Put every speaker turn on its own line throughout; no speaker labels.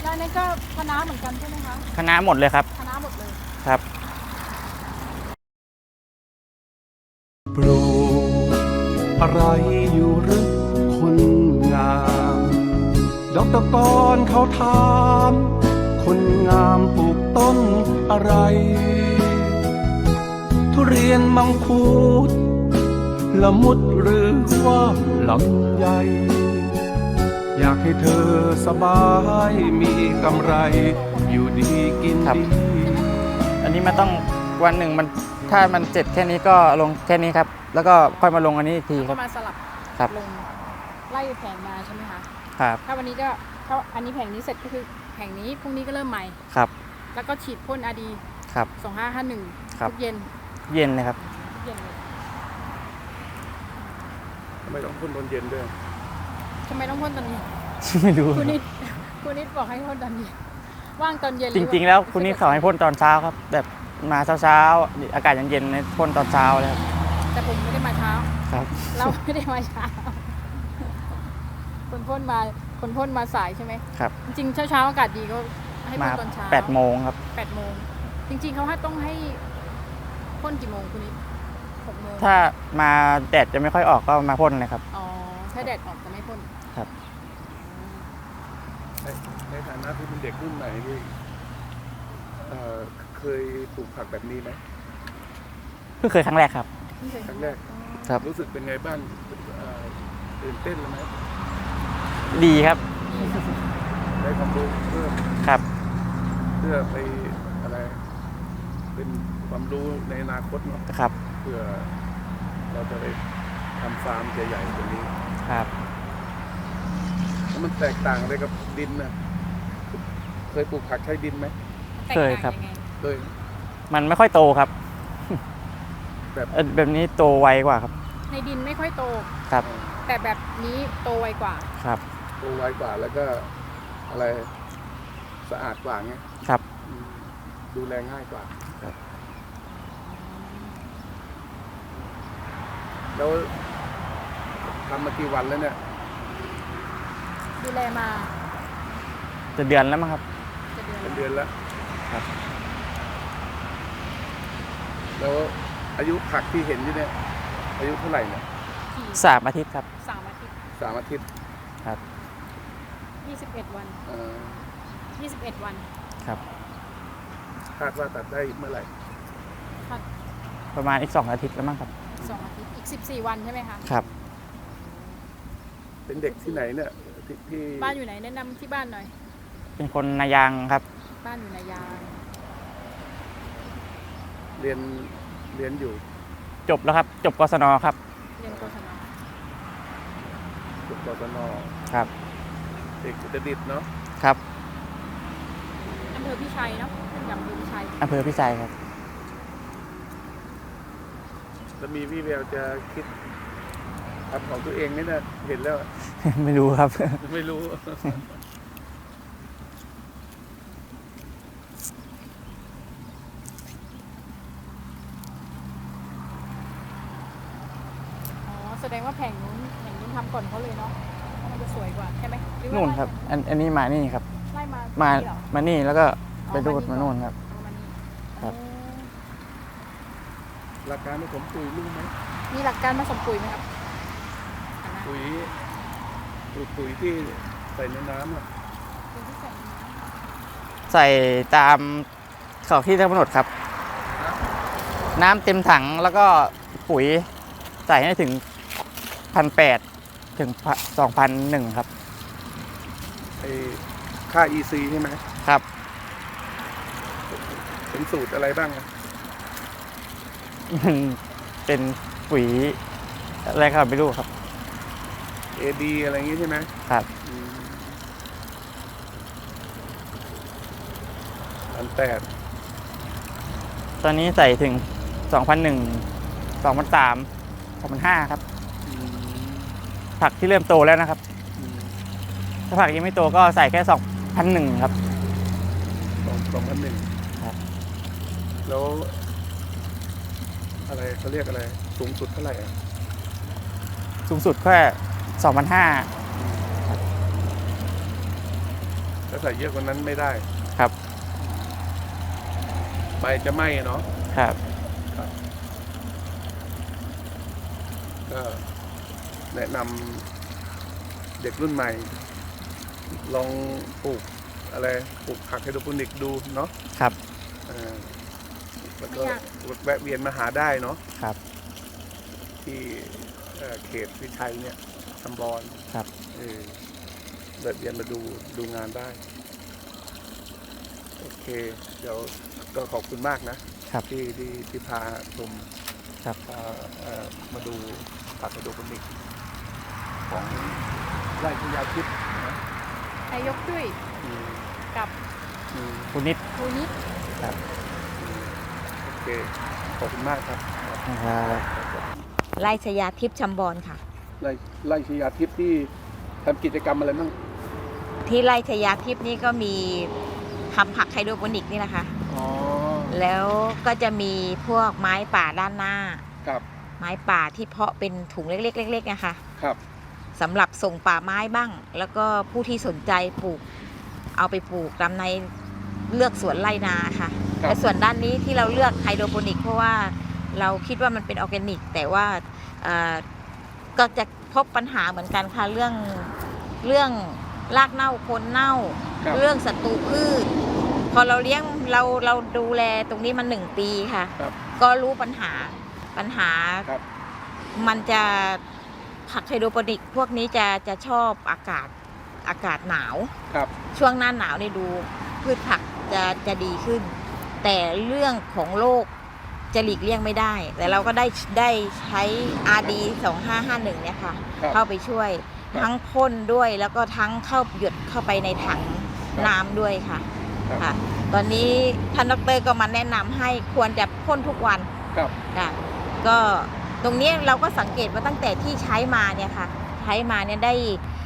แล้วนั่นก็คะน้าเหมือนกันใช่ไหมคะ
คะน้าหมดเลยครับ
คะน้าหมดเลย
ครับ
ปลูกอะไรอยู่หรือคนงามดอกตะกอนเขาถามคนงามปลูกต้นอะไรทุเรียนมังคุดละมุดหรือว่าลำไยอยากให้เธอสบายมีกำไรอยู่ดีกินดี
อันนี้มันต้องวันหนึ่งมันถ้ามันเสร็จแค่นี้ก็ลงแค่นี้ครับแล้วก็ค่อยมาลงอันนี้อีกทีครับ
ก็มาสลับลงไล่แผงมาใช่ไหมคะ
ครับ
ถ้าวันนี้ก็ถ้าอันนี้แผงนี้เสร็จก็คือแผงนี้พรุ่งนี้ก็เริ่มใหม่
ครับ
แล้วก็ฉีดพ่นอาดี
ครับ
2551ทุกเย็น
เลยครับ
เย็นเลย
ทำไมต้องพ่นตอนเย็นด้วย
ทำไมต้องพ่นตอนนี้
ไม่รู้
คุณนิดบอกให้พ่นตอนเย็นว่างตอนเย็น
จริงๆแล้วคุณนิดเขาให้พ่นตอนเช้าครับแบบมาเช้าอากาศเย็นๆในพ่นตอนเช้าเลยครับ
แต่ผมไม่ได้มาเช้า
ครับ
เราไม่ได้มาเช้าคนพ่นมาสายใช่ไหม
ครับ
จริงๆเช้าอากาศดีก็ให้พ่นตอนเช้า
8 โมงครับ
8 โมงจริงๆเขาต้องให้พ่นกี่โมงคุณนิด6 โมง
ถ้ามาแดดจะไม่ค่อยออกก็มาพ่นเลยครับ
อ๋อถ้าแดดออกจะไม่พ่น
ครับ
ในฐานะที่เป็นเด็กรุ่นใหม่ที่เคยปลูกผักแบบนี้ไหม
เพิ่งเคยครั้งแรกครับ
ครั้งแรก
ครับ
รู้สึกเป็นไงบ้างตื่นเต้นไหม
ดีครับ
ได้ความรู้เพิ่ม
ครับ
เพื่อไปอะไรเป็นความรู้ในอนาคตเนาะ
ครับ
เพื่อเราจะไปทำฟาร์มใหญ่ๆตรงนี้
ครับ
แล้วมันแตกต่างอะไรกับดินนะเคยปลูกผักใช้ดินไหม
เคยครับ
เคย
มันไม่ค่อยโตครับแบบนี้โตไวกว่าครับ
ในดินไม่ค่อยโต
ครับ
แต่แบบนี้โตไวกว่า
ครับ
โตไวกว่าแล้วก็อะไรสะอาดกว่าไง
ครับ
ดูแลง่ายกว่า
ครับ
แล้วทำมากี่วันแล้วเนี่ย
ดูแลมา
จะเดือนแล้วมั้งครับ
เป็นเดือนแล้ว
ครับ
แล้วอายุผักที่เห็นอยู่เนี่ยอายุเท่าไหร่เนี่ย
3 อาทิตย์ครับ
3 อาทิตย์
3 อาทิตย์
ครับ
21 วัน21 วัน
ครับ
คาดว่าตัดได้เมื่อไหร่
ประมาณอีก2 อาทิตย์แล้วมั้งครับ
2 อาทิตย์อีก14 วันใช่ไหมคะ
ครับ
เป็นเด็กที่ไหนเนี่ยที่
บ้านอยู่ไหนแนะนำที่บ้านหน่อย
เป็นคนนายางครับ
บ้านอยู่นายาง
เรียนอยู่
จบแล้วครับจบกศนครับ
เรียนกศน
จบกศน
ครับ
เด็กอุตรดิตถ์เนาะ
ครับ
อำเภอพิชัยเนาะอำเภอพิชัย
ครับ
จะมีวิแววจะคิดทำของตัวเองนี่นะเห็นแล้ว
ไม่รู้ครับ
ไม่รู้
แสดงว่าแผงนู้นทำก่อนเขาเลยเนาะมันจะสวยกว่าใช่ไหม
นู่นครับอันนี้มานี่ครับ
ไล่
มานี่แล้วก็ไปดูดมานู่นครับครับ
หลักการผสมปุ๋ยรู้ไหม
มีหลักการผสมปุ๋ยไหมครับ
ปุ๋ยที่ใส่ในน้ำอ่ะ
ใส่ตามเขาที่กำหนดครับน้ำเต็มถังแล้วก็ปุ๋ยใส่ให้ถึง1,800 ถึง 2,100 ครับ
ค่า EC ใช่ไหม
ครับ
เป็นสูตรอะไรบ้าง
มันเป็นปุ๋ยอะไรครับไม่รู้ครับ
AB อะไรอย่างงี้ใช่ไหม
ครับ
1,800
ตอนนี้ใส่ถึง 2,100 2,300 2,500 ครับผักที่เริ่มโตแล้วนะครับถ้าผักยังไม่โตก็ใส่แค่ 2,100 ครับ
2,100ครับแล้วอะไรเขาเรียกอะไรสูงสุดเท่าไหร่
สูงสุดแค่ 2,500
าใส่เยอะกว่านั้นไม่ได้
ครับ
ใบจะไหม้เนาะ
ครับ
ก็แนะนำเด็กรุ่นใหม่ ลองปลูกผักไฮโดรโปนิกดูเนาะ
ครับ
แล้วก็แวะเวียนมาหาได้เนาะ
ครับ
ที่เขตวิชัยเนี่ยตำบล
ครับ
แวะเวียนมาดูงานได้โอเค เดี๋ยวก็ขอบคุณมากนะครับ ที่พาชม
ครับ
มาดูผักไฮโดรโปนิกของไร่พญาทิพย์นะ
นายกจุ้ย
อืม
กับ
อืม
คุณนิด
ครูนิด
ครับ
โอเค ขอบคุณมากครับ
ครับ
ไร่ชยาทิพย์ชำบอนค่ะ
ไร่ชญาทิพย์ที่ทำกิจกรรมอะไรบ้าง
ที่ไร่ชยาทิพย์นี่ก็มีทำผักไฮโดรโปนิกนี่แหละค่ะ
อ๋อ
แล้วก็จะมีพวกไม้ป่าด้านหน้า
ครับ
ไม้ป่าที่เพาะเป็นถุงเล็กๆๆนะคะ
ครับ
สำหรับส่งป่าไม้บ้าง แล้วก็ผู้ที่สนใจปลูกเอาไปปลูกตามในเลือกสวนไร่นาค่ะ
ครับ
และส่วนด้านนี้ที่เราเลือกไฮโดรโปนิกเพราะว่าเราคิดว่ามันเป็นออร์แกนิก แต่ว่าก็จะพบปัญหาเหมือนกันค่ะเรื่องรากเน่าโคนเน่า
ครับ
เรื่องศัตรูพืช พอเราเลี้ยงเราดูแลตรงนี้มา1 ปีค่ะ
ครับ
ก็รู้ปัญหา
ครับ
มันจะผักไฮโดรโปนิกพวกนี้จะชอบอากาศหนาว
ครับ
ช่วงหน้าหนาวนี่ดูพืชผักจะดีขึ้น แต่เรื่องของโรคจะหลีกเลี่ยงไม่ได้ แต่เราก็ได้ใช้ RD 2551เนี่ยค่ะ
ครับ
เข้าไปช่วย
ครับ
ทั้งพ่นด้วยแล้วก็ทั้งหยดเข้าไปในถังน้ำด้วยค่ะ
ครับ
ค่ะ ตอนนี้ท่านดร.ก็มาแนะนำให้ควรจะพ่นทุกวัน
ครับ
ค่ะก็ตรงนี้เราก็สังเกตว่าตั้งแต่ที่ใช้มาเนี่ยค่ะใช้มาเนี่ยได้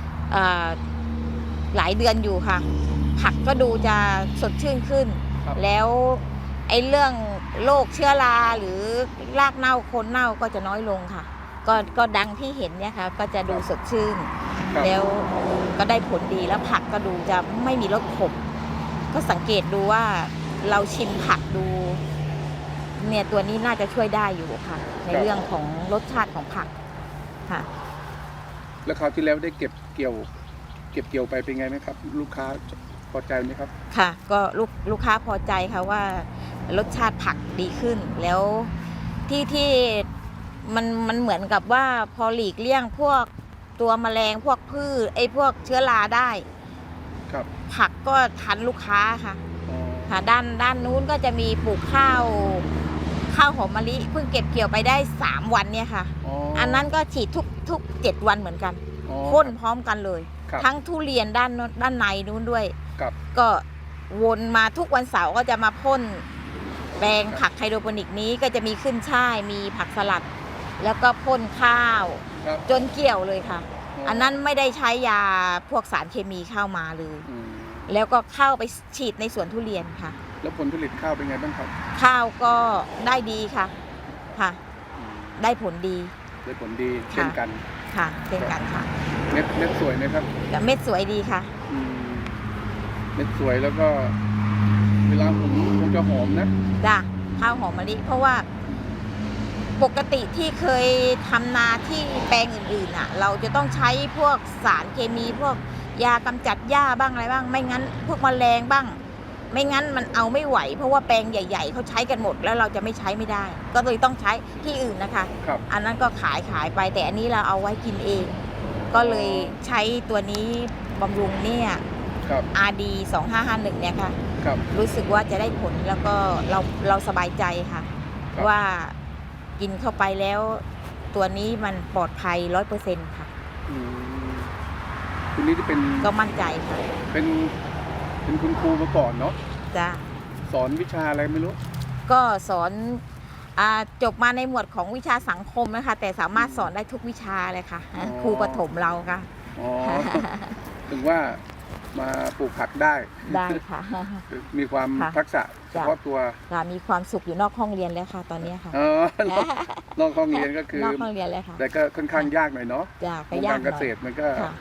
หลายเดือนอยู่ค่ะ ผักก็ดูจะสดชื่นขึ้น
ครับ
แล้วไอ้เรื่องโรคเชื้อราหรือรากเน่าโคนเน่าก็จะน้อยลงค่ะ ก็ดังที่เห็นเนี่ยค่ะก็จะดูสดชื่น
ครับ
แล้วก็ได้ผลดีแล้วผักก็ดูจะไม่มีรสขมก็สังเกตดูว่าเราชิมผักดูเนี่ยตัวนี้น่าจะช่วยได้อยู่ค่ะ ในเรื่องของรสชาติของผักค่ะ
แล้วคราวที่แล้วได้เก็บเกี่ยวไปเป็นไงไหมครับ ลูกค้าพอใจไหมครับ
ค่ะ ก็ลูกค้าพอใจค่ะว่ารสชาติผักดีขึ้น แล้วที่มันเหมือนกับว่าพอหลีกเลี่ยงพวกตัวแมลงพวกพืชพวกเชื้อราได้
ครับ
ผักก็ทันลูกค้าค่ะ
อ๋อ
ค่ะด้านนู้นก็จะมีปลูกข้าวหอมมะลิเพิ่งเก็บเกี่ยวไปได้3 วันเนี่ยค่ะ
อ๋อ
อันนั้นก็ฉีดทุก7 วันเหมือนกัน
อ๋อ
พ่นพร้อมกันเลย
ครับ
ทั้งทุเรียนด้านในนู้นด้วย
ครับ
ก็วนมาทุกวันเสาร์ก็จะมาพ่นแปลงผักไฮโดรโปนิกนี้ก็จะมีขึ้นช่ายมีผักสลัด แล้วก็พ่นข้าว
ครับ
จนเกี่ยวเลยค่ะ อันนั้นไม่ได้ใช้ยาพวกสารเคมีเข้ามาเลย
อืม
แล้วก็เข้าไปฉีดในสวนทุเรียนค่ะ
แล้วผลผลิตข้าวเป็นไงบ้างครับ
ข้าวก็ได้ดีค่ะค่ะ
อืม
ได้ผลดี
ได้ผลดีเช่นกัน
ค่ะเช่นกันค่ะ
เม็ดสวยไหมครับ
แต่เม็ดสวยดีค่ะ
อืมเม็ดสวยแล้วก็เวลาหุงคงจะหอมนะ
จ้ะข้าวหอมมะลิเพราะว่าปกติที่เคยทำนาที่แปลงอื่นๆน่ะ เราจะต้องใช้พวกสารเคมีพวกยากำจัดหญ้าบ้างอะไรบ้าง ไม่งั้นพวกแมลงบ้าง ไม่งั้นมันเอาไม่ไหว เพราะว่าแปลงใหญ่ ๆเขาใช้กันหมดแล้วเราจะไม่ใช้ไม่ได้ ก็เลยต้องใช้ที่อื่นนะคะ
ครับ
อันนั้นก็ขายไปแต่อันนี้เราเอาไว้กินเอง ก็เลยใช้ตัวนี้บำรุงเนี่ย
ครับ
RD 2551เนี่ยค่ะ
ครับ
รู้สึกว่าจะได้ผลแล้วก็เราสบายใจค่ะ
ครับ
ว่ากินเข้าไปแล้วตัวนี้มันปลอดภัย 100%ค่ะ
อืมคุณนี่จะเป็น
ก็มั่นใจค่ะ
เป็นคุณครูมาก่อนเนาะ
จ้ะ
สอนวิชาอะไรไม่รู้
ก็สอนจบมาในหมวดของวิชาสังคมนะคะ แต่สามารถสอนได้ทุกวิชาเลยค่ะ
อ๋อ
ครูประถมเราค่ะ
อ๋อ ถึงว่ามาปลูกผักได้
ได้ค่ะ
มีความ
ค่ะ
ทักษะเฉพาะตัว
ค่ะมีความสุขอยู่นอกห้องเรียนแล้วค่ะ ตอนนี้ค่ะ
นอกห้องเรียนก็คือน
อกห้องเรียนเลยค่ะ
แต่ก็ค่อนข้างยากหน่อยเนาะ
จ้ะ
ว
ก็
ง
ยาก
การ
ห
เก
น่อย
ษตรมันก็
ค่ะ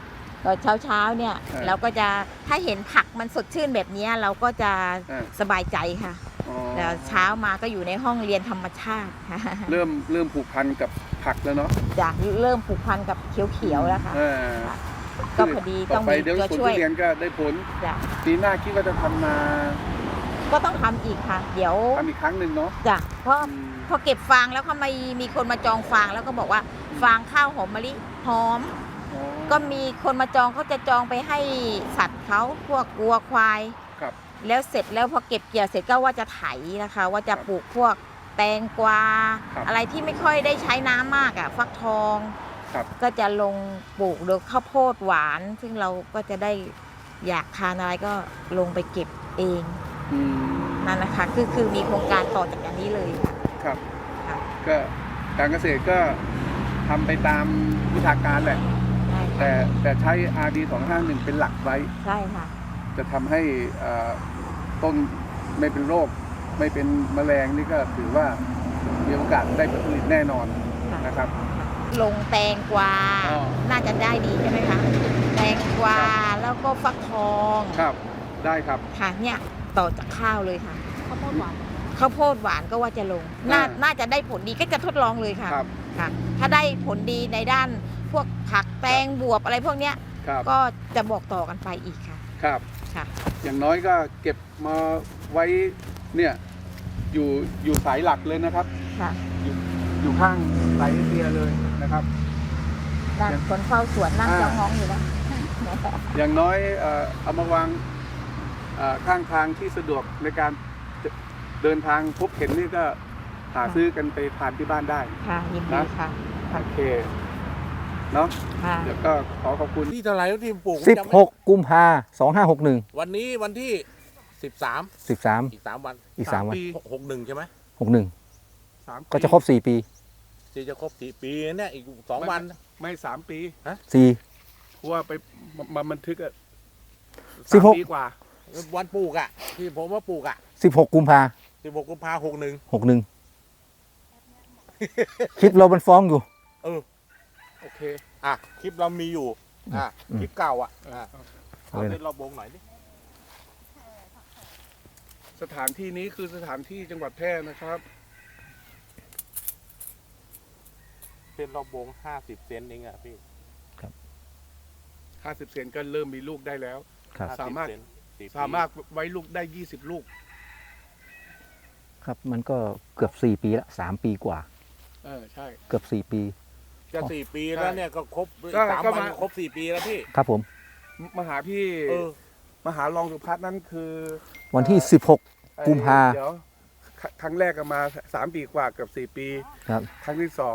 ตอนเช้าเนี่ย เราก็จะถ้าเห็นผักมันสดชื่นแบบนี้เราก็จะสบายใจค่ะแล้วเช้ามาก็อยู่ในห้องเรียนธรรมชาติค่ะ
เริ่มผูกพันกับผักแล้วเนาะ
จะเริ่มผูกพันกับเขียวๆแล้วค่ะก็พอดีต้องมีตัวช่วย
เดี๋ยวผลทุเรียนก็ได้ผล
จ้ะ
ปีหน้าคิดว่าจะทำนา
ก็ต้องทำอีกค่ะ เดี๋ยว
ทำอีกครั้งหนึ่งเนาะ
จ้ะเพราะพอเก็บฟางแล้วเขามีคนมาจองฟางแล้วก็บอกว่าฟางข้าวหอมมะลิหอม ก็มีคนมาจองเขาจะจองไปให้สัตว์เขาพวกวัวควาย
ครับ
แล้วเสร็จแล้วพอเก็บเกี่ยวเสร็จก็ว่าจะไถนะคะ ว่าจะปลูกพวกแตงกวา
ครับ
อะไรที่ไม่ค่อยได้ใช้น้ำมากอ่ะฟักทอง
ครับ
ก็จะลงปลูกโดยข้าวโพดหวาน ซึ่งเราก็จะได้อยากทานอะไรก็ลงไปเก็บเอง
อืม
นั่นนะคะคือมีโครงการต่อจากอันนี้เลยค่ะ
ครับ
ค่ะ
ก็การเกษตรก็ทำไปตามวิชาการแหละ
ใช่
แต่ใช้ RD 251เป็นหลักไว้
ใช่ค่ะ
จะทำให้ต้นไม่เป็นโรค ไม่เป็นแมลงนี่ก็ถือว่ามีโอกาสได้ผลผลิตแน่นอนนะครับ
ลงแตงกวา
อ๋อ
น่าจะได้ดีใช่ไหมคะแตงกวาแล้วก็ฟักทอง
ครับได้ครับ
ค่ะเนี่ยต่อจากข้าวเลยค่ะ
ข้าวโพดหวาน
ข้าวโพดหวานก็ว่าจะลง น่าจะได้ผลดีก็จะทดลองเลยค่ะ
ครับ
ค่ะ ถ้าได้ผลดีในด้านพวกผักแตงบวบอะไรพวกเนี้ย
ครับ
ก็จะบอกต่อกันไปอีกค่ะ
ครับ
ค่ะ
อย่างน้อยก็เก็บมาไว้เนี่ยอยู่สายหลักเลยนะครับ
ค่ะ
อยู่ข้างสายเอเชียเลยนะครับ
นั่งคนเฝ้าสวนนั่งจ้องมองอยู่แล้ว
อย่างน้อยเอามาวางข้างทางที่สะดวกในการเดินทางพบเห็นนี่ก็หาซื้อกันไปทานที่บ้านได้
ค่ะยินดีค่ะ
โอเคเนาะ
ค่ะ
เดี๋ยวก็ขอบคุณ
ที่เท่าไหร่แล้วที่ปลูก
16 กุมภา2561
วันนี้วันที่ 13
13
อีก 3 วัน
อีก 3 วัน
ปี
61 ใช่ไหม
61
3
ก็จะครบ 4 ปี
ที่จะครบ4 ปีเนี่ยอีก 2 วัน
ไม่3 ปี
4
เพราะว่าไปมาบันทึกอะ
16
ปีกว่า
วันปลูกอ่ะ ที่ผมว่าปลูกอ่ะ
16 กุมภา
16 กุมภา61
61 คลิปเรามันฟ้องอยู่
โอเค
อ่ะ คลิปเรามีอยู่ อ่ะ
อืม
คลิปเก่าอ่ะเอา
เลย
เล่
นะ
นเราบงหน่อยดิ
สถานที่นี้คือสถานที่จังหวัดแพร่นะครับ
เส้นเราบง50 เซนเองอ่ะพี่
50 เซนก็เริ่มมีลูกได้แล้ว
ครับ
สามารถ
50 เซน4 ปี
สามารถไว้ลูกได้ 20 ลูก
ครับมันก็เกือบ 4 ปีละ3 ปีกว่า
ใช่
เกือบ 4 ปี
จะ4 ปีแล้วเนี่ยก็ครบ
ก็
3
ก็
วัน
มา
ครบ4 ปีแล้วพี่
ครับผม
มาหาพี่
เออ
มหารองสุพัฒน์นั่นคือ
วันที่ 16 กุมภา
เดี๋ยวครั้งแรกก็มา3 ปีกว่าเกือบ4 ปี
ครับ
ครั้งที่2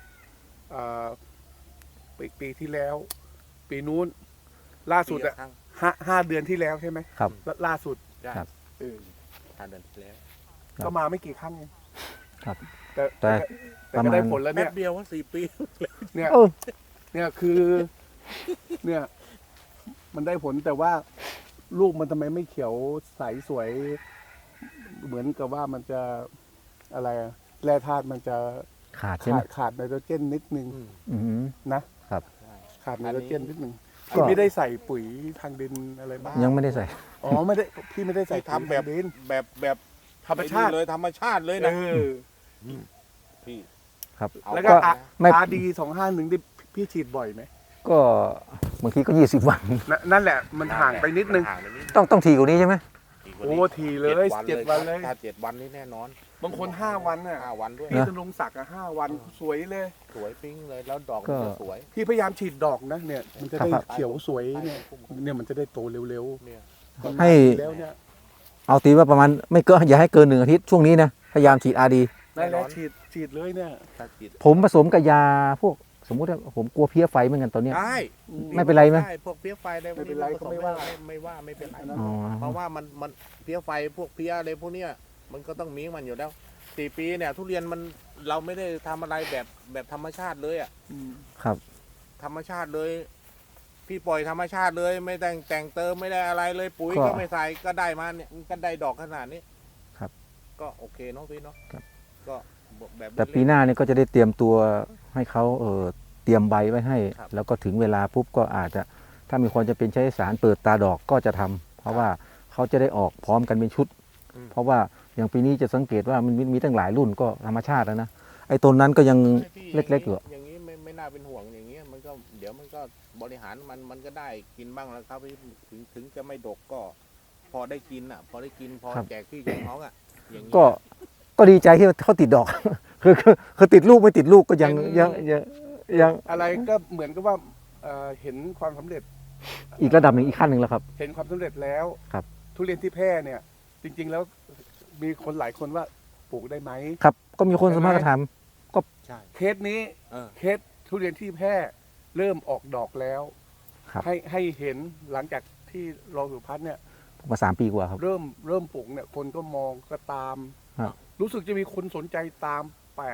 ปีที่แล้ว ปีนู้น ล่าสุดอ่ะ
ปีละครั้ง
ห้าเดือนที่แล้วใช่ไหม
ครับ
ล่าสุด
ใช่
ครับ
เออ
5 เดือนที่แล้ว
ครับ
ก็มาไม่กี่ครั้งเอง
ครับ
แต่
แต่
แต่ก็ได้ผลแล้ว
แป๊
เนี่ย
บเดียวว่า4 ปี
เนี่ย
เออ
เนี่ยคือ เนี่ย มันได้ผลแต่ว่าลูกมันทำไมไม่เขียวใสสวย เหมือนกับว่ามันจะอะไรอะแร่ธาตุมันจะ
ขาดใช่ไหม
ขาดไนโตรเจนนิดนึง
อืม
นะครับ ขาดไนโตรเจนนิดนึง
ก็
พี่ไม่ได้ใส่ปุ๋ยทางดินอะไรบ้าง
ยังไม่ได้ใส่
อ๋อไม่ได้พี่ไม่ได้ใส่
ที่ทำแบบ
ปุ๋ยทางดิน
แบบ
ธรรมชาติ
เลยธรรมชาติเลย
เอ
นะ
อ
พี่
ครับ
เอา
แล้วก็
ก็ ไม่
RD 251ที่พี่ฉีดบ่อยไหม
ก็บางทีก็ 20 วัน
นั่นแหละมันห่างไปนิดนึง
ห่างไปนิด
ต้องทีกว่านี้ใช่ไหม
โอ้ทีเลย7 วันเลย
ถ้า7 วันนี่แน่นอน
บางคน5 วันน่ะ
5 วันด้วย
พี่ธนงศักดิ์อะ5 วันสวยเลย
สวยปิ้งเลยแล้วดอก
ก็
มันจะสวย
พี่พยายามฉีดดอกนะเนี่ย มันจะได้
ครับ
เขียวสวยเนี่ยมันจะได้โตเร็ว
เนี่ย
ๆ
ให้
แล้วเนี่ย
เอาตีว่าประมาณไม่เกินอย่าให้เกิน 1 อาทิตย์ช่วงนี้นะ พยายามฉีด RD
ได้แล้วฉีดเลยเนี่ย
ถ้าฉีด
ผมผสมกับยาพวกสมมุติว่าผมกลัวเพี้ยไฟเหมือนกันตอนเนี้ย
ได้
ไม่เป็นไรไหม
ด้พวกเพี้ยไฟอะไรพวก
ไม่เป็น
นี้
ไร
ผส
ก็ไม่ว่า
ไม่เป็นไร
อ๋อ
เพราะว่ามันเพี้ยไฟพวกเพี้ยอะไรพวกเนี้ยมันก็ต้องมีมันอยู่แล้ว4 ปีเนี่ย ทุเรียนมันเราไม่ได้ทำอะไรแบบธรรมชาติเลยอ่ะ
ครับ
ธรรมชาติเลย พี่ปล่อยธรรมชาติเลย ไม่แต่งเติมไม่ได้อะไรเลยปุ๋ย
ก็
ก็ไม่ใส่ก็ได้มาเนี่ยก็ได้ดอกขนาดนี้
ครับ
ก็โอเคเนาะพี่เนาะ
ครับ
ก็แบบ
แต่ปีหน้าเนี่ยก็จะได้เตรียมตัวให้เขาเตรียมใบไว้ให้
ครับ
แล้วก็ถึงเวลาปุ๊บก็อาจจะ
ถ้ามีความจะเป็นใช้สารเปิดตาดอกก็จะทำเพราะว่าเขาจะได้ออกพร้อมกันเป็นชุด เพราะว่าอย่างปีนี้จะสังเกตว่ามันมีตั้งหลายรุ่นก็ธรรมชาติแล้วนะไอ้ต้นนั้นก็ยังเล็กๆอยู่
อย่างนี้ไม่น่าเป็นห่วงอย่างเงี้ยมันก็เดี๋ยวมันก็บริหารมันก็ได้กินบ้างแล้วครับถึงจะไม่ดกก็ พอได้กินอ่ะ พอได้กินพอ
ครับ
แจกพี่แจกน้องอ่ะอย่างนี้
ก็ดีใจที่เขาติดดอก คือติดลูกไม่ติดลูกก็ยัง
อะไรก็เหมือนกับว่าเห็นความสำเร็จ
อีกระดับหนึ่งอีกขั้นหนึ่งแล้วครับ
เห็นความสำเร็จแล้ว
ครับ
ทุเรียนที่แพร่เนี่ย จริง ๆ แล้วมีคนหลายคนว่าปลูกได้ไหม
ครับก็มีคนสามารถท
ใช่
เคสนี้
เออ
เคสทุเรียนที่แพร่เริ่มออกดอกแล้ว
ำครับ
ให้เห็นหลังจากที่รองสุพัฒน์เนี่ย
มา3 ปีกว่าครับ
เริ่มปลูกเนี่ยคนก็มองก็ตาม
ครับ
รู้สึกจะมีคนสนใจตาม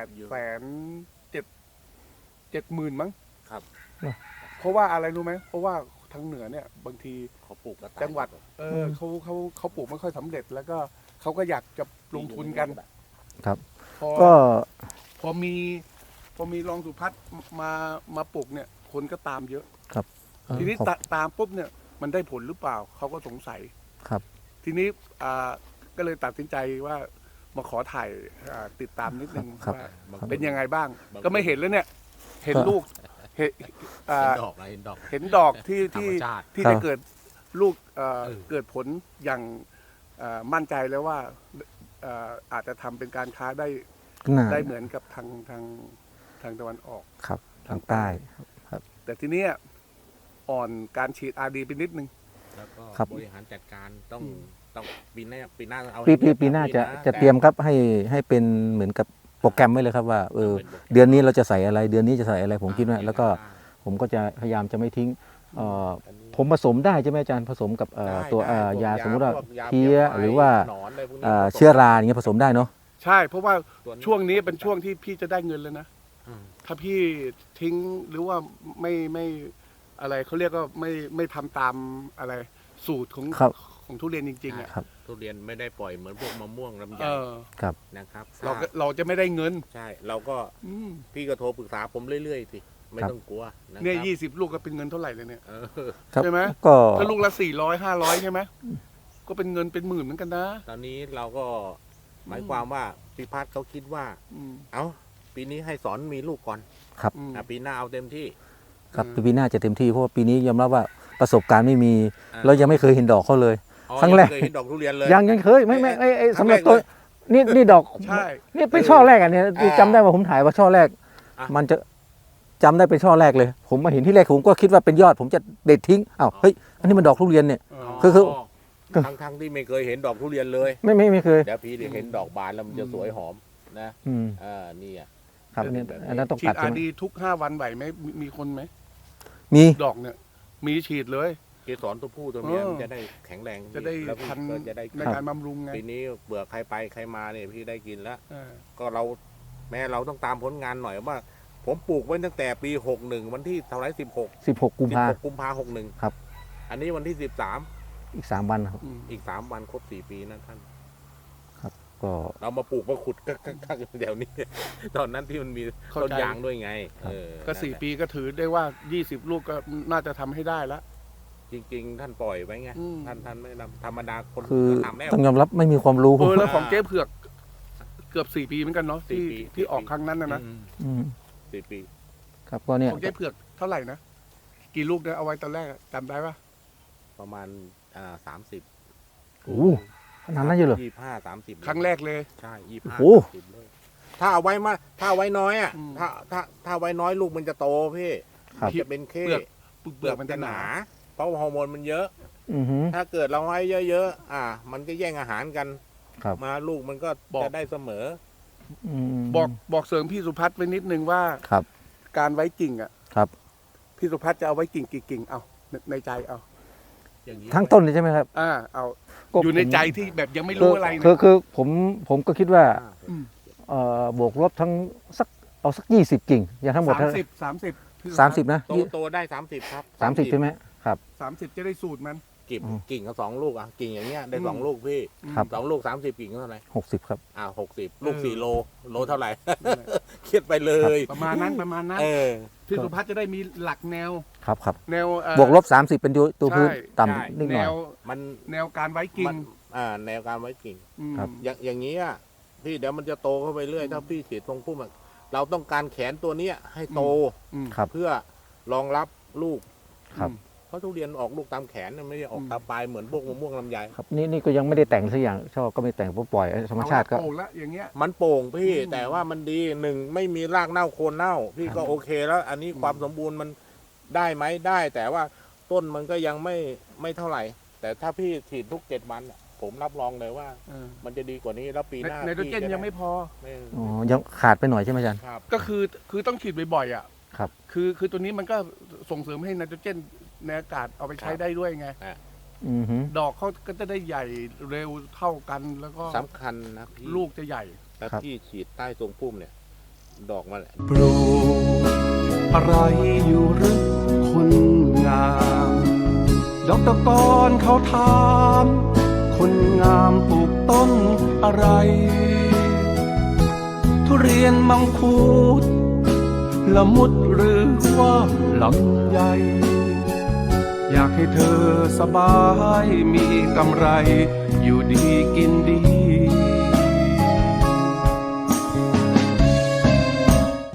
870,000มั้ง
ครับ
เพราะว่าอะไรรู้ไหมเพราะว่าทางเหนือเนี่ยบางที
เขาปลูกกระต่าย
จังหวัดเขาปลูกไม่ค่อยสำเร็จ แล้วก็เขาก็อยากจะลงทุนกัน
ครับ
พอ
ก็
พอมีรองสุพัฒน์มาปลูกเนี่ย คนก็ตามเยอะ
ครับ
ทีนี้ตามปุ๊บเนี่ยมันได้ผลหรือเปล่าเขาก็สงสัย
ครับ
ทีนี้ก็เลยตัดสินใจว่ามาขอถ่ายติดตามนิดนึง
ครับ
ว่า
ครับ
เป็นยังไงบ้าง ก็ไม่เห็นแล้วเนี่ย เห็นลูกเห็น
เห็นดอกอะไรเห็นดอก
เห็นดอกที่
ธรรมชาติ
ได้เกิดลูกเกิดผลอย่างมั่นใจแล้วว่าอาจจะทำเป็นการค้าได้
น่า
ได้เหมือนกับทางตะวันออก
ครับทางใต้
แต่ทีเนี้ยอ่อนการฉีดอาดีไปนิดนึง
แล้วก็
ครับ
บริหารจัดการต้องปีหน้าเอา
ปีหน้าจะเตรียมครับให้เป็นเหมือนกับโปรแกรมไว้เลยครับว่าเดือนนี้เราจะใส่อะไรเดือนนี้จะใส่อะไรผมคิดว่าแล้วก็ผมก็จะพยายามจะไม่ทิ้งผมผสมได้ใช่ไหมอาจารย์ผสมกับตัวยาสมมติว่าเพี้ยหรือว่าเชื้อราอย่างเงี้ยผสมได้เนาะ
ใช่เพราะว่าช่วงนี้เป็นช่วงที่พี่จะได้เงินแล้วนะ ถ้าพี่ทิ้งหรือว่าไม่อะไรเขาเรียกว่าไม่ทำตามอะไรสูตรของทุเรียนจริงๆอ่ะ
ครับ
ทุเรียนไม่ได้ปล่อยเหมือนพวกมะม่วงลำไย
ครับ
นะครับ
เราจะไม่ได้เงิน
ใช่เราก็พี่ก็โทรปรึกษาผมเรื่อยๆสิไม่ต้องกลัวนะครับ
เนี่ย20 ลูกก็เป็นเงินเท่าไหร่เลยเนี่ย
เออ
ครับ
ใช่ไหม
ก็
ถ้าลูกละ400 500ใช่ไหมก็เป็นเงินเป็นหมื่นเหมือนกันนะ
ตอนนี้เราก็หมายความว่าพี่พัฒน์เขาคิดว่า
อืม
เอ้าปีนี้ให้สอนมีลูกก่อน
อืม
ปีหน้าเอาเต็มที่
ครับปีหน้าจะเต็มที่เพราะว่าปีนี้ยอมรับว่าประสบการณ์ไม่มี
อ่า
เรายังไม่เคยเห็นดอกเขาเลย
อ๋อ
ครั้งแรก
ยัไม่เคยเห็นดอกทุเรียนเลย
ยังเคยไม่ไอ้
ครั้
สำ
ง
ห
แร
รับ
ก
ตัว
เลย
นี่ดอก
ใช่
นี่เป็นช่อแรกอ่ะเนี่ยจำได้ว่าผมถ่ายว่าช่อแรก
อ่ะ
มันจะจำได้เป็นช่อแรกเลย ผมมาเห็นที่แรกผมก็คิดว่าเป็นยอด ผมจะเด็ดทิ้งอ้าวเฮ้ยอันนี้มันดอกทุเรียนเนี่ย คือ
ทั้งที่ไม่เคยเห็นดอกทุเรียนเลย
ไม่เคย
เดี๋ยวพี่ได้เห็นดอกบานแล้วมันจะสวยหอมนะ
อืม
นี่อ่ะ
ครับอันนี้อันนั้นต้อง
ฉี
ตั
ด
ด
อา
ใช่ไหม
ดีทุก5 วันไหวไหมมีคนไหม
มี
ดอกเนี่ย มีฉีดเลย
เกสรตัวผู้ตัวเมีย
เออ
มันจะได้แข็งแรง
จะได้
แล้วพี่
ทัน
ก็จะได้
ในการบำรุงไง
ปีนี้เบื่อใครไปใครมาเนี่ยพี่ได้กินแล้ว
เออ
ก็เราแม้เราต้องตามผลงานหน่อยว่า ผมปลูกไว้ตั้งแต่ปี61วันที่เท่าไหร่
16 กุมภา
กุมภา61
ครับ
อันนี้วันที่13
อีก3 วันครับ
อืม
อีก3 วันครบ4 ปีนะท่าน
ก็
เรามาปลูกมาขุดกักเดี๋ยวนี้ ตอนนั้นที่มันมี
เข้า
ต้น
ใจ
ยางด้วยไง
ก็
นั่นแหละ
4 ปีก็ถือได้ว่า 20 ลูกก็น่าจะทำให้ได้แล้ว
จริง ๆ ท่านปล่อยไว้ไง
อืม
ท่านไม่นำธรรมดาคน
คือ
ทำแล้ว
ต้องยอมรับไม่มีความรู้
แล้วของเจ๊เผือกเกือบ4 ปีเหมือนกันเนาะ
4 ปี
ที่ออกครั้งนั้นนะ
อืม
4 ปี
ครับก็เนี่ย
ของเจ๊เผือกเท่าไหร่นะ กี่ลูกนะเอาไว้ตอนแรกอะจำได้ปะ
ประมาณ30
โอ้โหขนาดนั้นเยอะเลย
25-30
ครั้งแรกเลย
ใช่
โอ้
25 30เลยถ้าเอาไว้มาถ้าเอาไว้น้อยอ่ะ
อืม
ถ้าไว้น้อยลูกมันจะโตพี่
ครับ
จะเป็นเข้
เปลือกมันจะหนา
เพราะฮอร์โมนมันเยอะ
อือหือ
ถ้าเกิดเราไว้เยอะๆมันก็แย่งอาหารกัน
ครับ
มาลูกมันก็
บอก
จะได้เสมอ
อืม
บอกเสริมพี่สุพัฒน์ไว้นิดนึงว่า
ครับ
การไว้กิ่งอ่ะ
ครับ
พี่สุพัฒน์จะเอาไว้กิ่งกี่กิ่งเอาในใจเอา
อย่างนี้
ทั้งต้นเลยใช่ไหมครับ
เอา
ก็
อยู่ใน
ผม
ใจที่แบบยังไม่รู้อะไร
คือผมก็คิดว่า
อืม
บวกลบทั้งเอาสัก20 กิ่ง อย่างทั้งหมด
30
30 นะ
โตได้30 ครับ
30 ใช่ไหมครับ
30จะได้สูตรมัน
กิ่งก็2 ลูกกิ่งอย่างเงี้ยได้
อืม
2 ลูกพี่
ครับ
2 ลูก 30 กิ่งเท่าไหร่
60 ครับ
60 ลูก 4 โลเท่าไหร่
นั่นแหละ
เครียดไปเลย
ประมาณนั้น
เออ
พี่สุพัฒน์จะได้มีหลักแนว
ครับครับ
แนว
บวกลบ 30 เป็นตัวพื้น
ใช่
ต่ำนิดห
แน
น่อย
ว
มัน
แนวการไว้กิ่ง
แนวการไว้กิ่ง
อืม
ครับ
อย่างนี้อ่ะพี่เดี๋ยวมันจะโตเข้าไปเรื่อยถ้าพี่ฉีดตรงพุ่มอะเราต้องการแขนตัวเนี้ยให้โต
อืม
ครับ
เพื่อรองรับลูก
ครับ
เพราะทุเรียนออกลูกตามแขนนะไม่ได้ออกตามปลายเหมือนพวกมะม่วงลำไย
ครับนี่ก็ยังไม่ได้แต่งสักอย่างชอบก็ไม่แต่งเพราะปล่อยธรรมชาติก็
เอละโป่งละอย่างเงี้ย
มันโป่งพี่
อืม
แต่ว่ามันดีหนึ่งไม่มีรากเน่าโคนเน่า พี่ก็โอเคแล้ว อันนี้ความสมบูรณ์มันได้ไหมได้ แต่ว่าต้นมันก็ยังไม่เท่าไหร่ แต่ถ้าพี่ฉีดทุก7 วันอะผมรับรองเลยว่า
เออ
มันจะดีกว่านี้แล้วปีหน้า
ไนโตรเจน
พี่จะ
ยังไม่พอ
ไม่
อ๋อยังขาดไปหน่อยใช่ไหมอาจารย์
ครับ
ก็คือต้องฉีดบ่อยๆอ่ะ
ครับ
คือตัวนี้มันก็ส่งเสริมให้ไนโตรเจนในอากาศเอาไปใช้ได้ด้วยไง
อือฮึ
ดอกเขาก็จะได้ใหญ่เร็วเท่ากันแล้วก็
สำคัญนะพี่
ลูกจะใหญ่
แล้วพี่ฉีดใต้ทรงพุ่มเนี่ย ดอกมันแหละ
ปลูกอะไรอยู่หรือคนงามดอกตะกอนเขาถามคนงามปลูกต้นอะไร ทุเรียนมังคุดละมุดหรือว่าลำไยอยากให้เธอสบายมีกำไร อยู่ดีกินดี